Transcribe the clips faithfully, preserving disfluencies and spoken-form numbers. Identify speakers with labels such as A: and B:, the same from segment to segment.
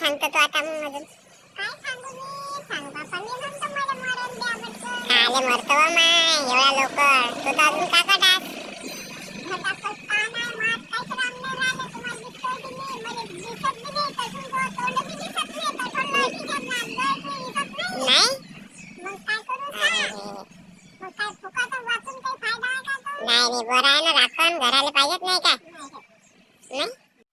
A: सांगतो तू आता मग अजून काय सांगू मी सांग बापा मी म्हणतो मला मरण द्या म्हटलं खाले मरतो माय एवढ्या लवकर तू तर अजून का कटास फटाफट का नाही मात काहीच राम नाही राहिलं तुम्हाला दिसतोय की नाही मला दिसत बी नाही तसून तोंड बी दिसत नाही तसं नाही दिसत नाही नाही मग काय करू सांग मग काय फुकाचं वाचून काही फायदा आहे का तो नाही नाही बरं आहे ना राखण घराला पाहिजेत नाही का नाही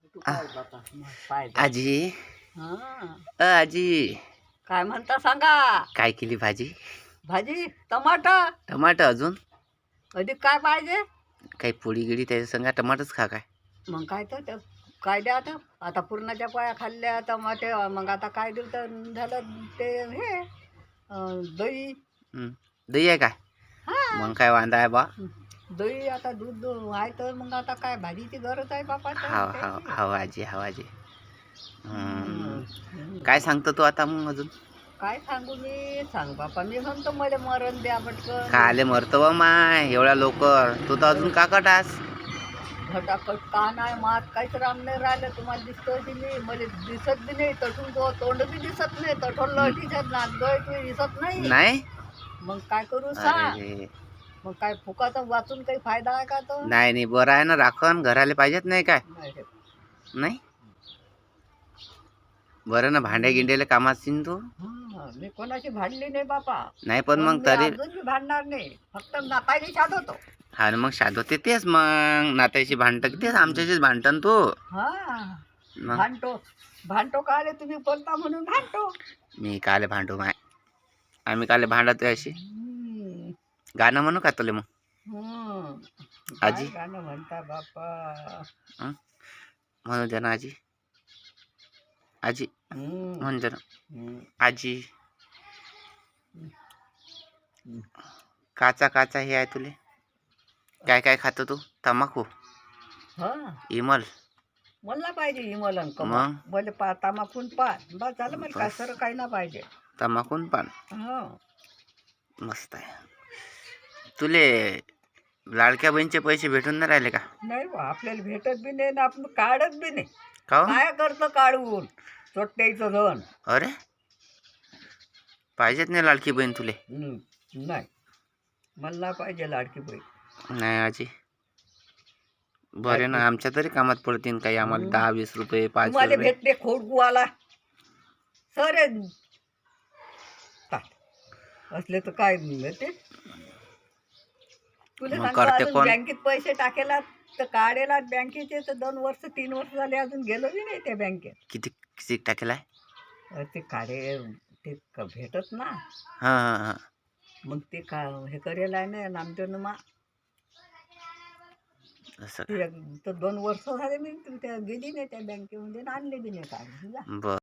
B: आजी
C: हा
B: अ आजी
C: काय म्हणता सांगा.
B: काय केली भाजी?
C: भाजी टमाटर.
B: टमाटर अजून
C: अधिक काय पाहिजे?
B: काही पोळी गिळी त्याच्या संग टमाटरच खा काय.
C: मग काय तर ते काय द्या आता आता पूर्णाच्या पोळ्या खाल्ल्या टमाटे मग आता काय देऊ तर झालं ते हे अं, दही.
B: हं. दही आहे काय?
C: हा
B: मग काय वांदा आहे बा.
C: दही आता दूध आहे तर मग आता काय भाजीची गरज आहे बापा तर
B: हाव हाव
C: त्याची.
B: हाव आजी हाव आजी. हं.
C: हम्म.
B: काय सांगतो तू आता मग अजून?
C: काय सांगू मी सांग बापा मी म्हणतो मला मरण द्या पटकन.
B: खाले मरतो बा माय एवढ्या लवकर तू तर अजून का कटास?
C: फटाफट का नाही मात काहीच राम नाही राहिलं तुम्हाला दिसतोय की नाही मला दिसत बी नाही तठून तो तोंड बी दिसत नाही तठोल दिसत नागदोय तू दिसत नाही
B: नाही
C: मग काय करू सांग.
B: अरे
C: मग काय फुकाचा वाचून काही फायदा आहे का तो
B: नाही नाही बरं आहे ना राखण घराला पाहिजेत नाही काय
C: नाही रे.
B: नाही बरं ना भांड्या गिंड्याला कामात असशील तू.
C: हा, मी कोणाशी भांडली नाही बापा
B: नाही पण मग
C: मी
B: तरी
C: अजून बी भांडणार नाही फक्त नापायला शाद होतो.
B: हा ना मग शादवते तेच मग नात्याशी भांडतं तेच आमच्याशीच भांडतं तू.
C: हा
B: मग
C: भांडतो भांडतो का आले तुम्ही बोलता म्हणून भांडतो.
B: मी काले भांडू माय आम्ही काले भांडतोय अशी.
C: हम्म.
B: गाणं म्हणू का तुला मग
C: हम्म.
B: आजी?
C: काय गाणं म्हणता बापा.
B: हं? म्हणू दे ना आजी आजी
C: हम्म.
B: म्हणू दे ना
C: हम्म.
B: आजी. काचा काचा हे आहे तुले काय काय खातो तू? तंबाखू
C: हा
B: इमल
C: मला पाहिजे हिमलन कमा
B: मग?
C: मला पा तामाकून पान बस झालं मला काय
B: बस.
C: सर काही ना पाहिजे.
B: तंबाखून पान
C: हो
B: मस्त आहे. तुले लाडक्या बहिणीचे पैसे भेटून नाही राहिले का?
C: नाही बा आपल्याला भेटत बी नाही ना आपण काढत बी नाही.
B: का हो?
C: काय करतं काढून चोट्ट्याचं धन.
B: अरे पाहिजेत नाही लाडकी बहीण तुले?
C: हम्म. नाही मला पाहिजे लाडकी बाई.
B: नाही आजी बरे ना आमच्या तरी कामात पडतील काही आम्हाला
C: हं.
B: दहा वीस रुपये पाच
C: तुम्हाला
B: रुपये.
C: भेटते खोडगुवाला सर असले तर काय भेटते तुला
B: मग
C: सांगतो
B: करते
C: अजून
B: कोण?
C: बँकेत पैसे टाकेला तर काढेला बँकेचे तर दोन वर्ष तीन वर्ष झाले अजून गेलो बी नाही त्या बँकेत.
B: किती किती टाकेलाय?
C: अरे ते काढे ते क- भेटत ना
B: हां हां हां
C: मग ते का हे करेल आहे ना नामदेवनं मा
B: असं
C: ते तर दोन वर्ष झाले मी त्या गेली नाही त्या बँकेमध्ये आणि आणले बी नाही काढून जा.
B: बर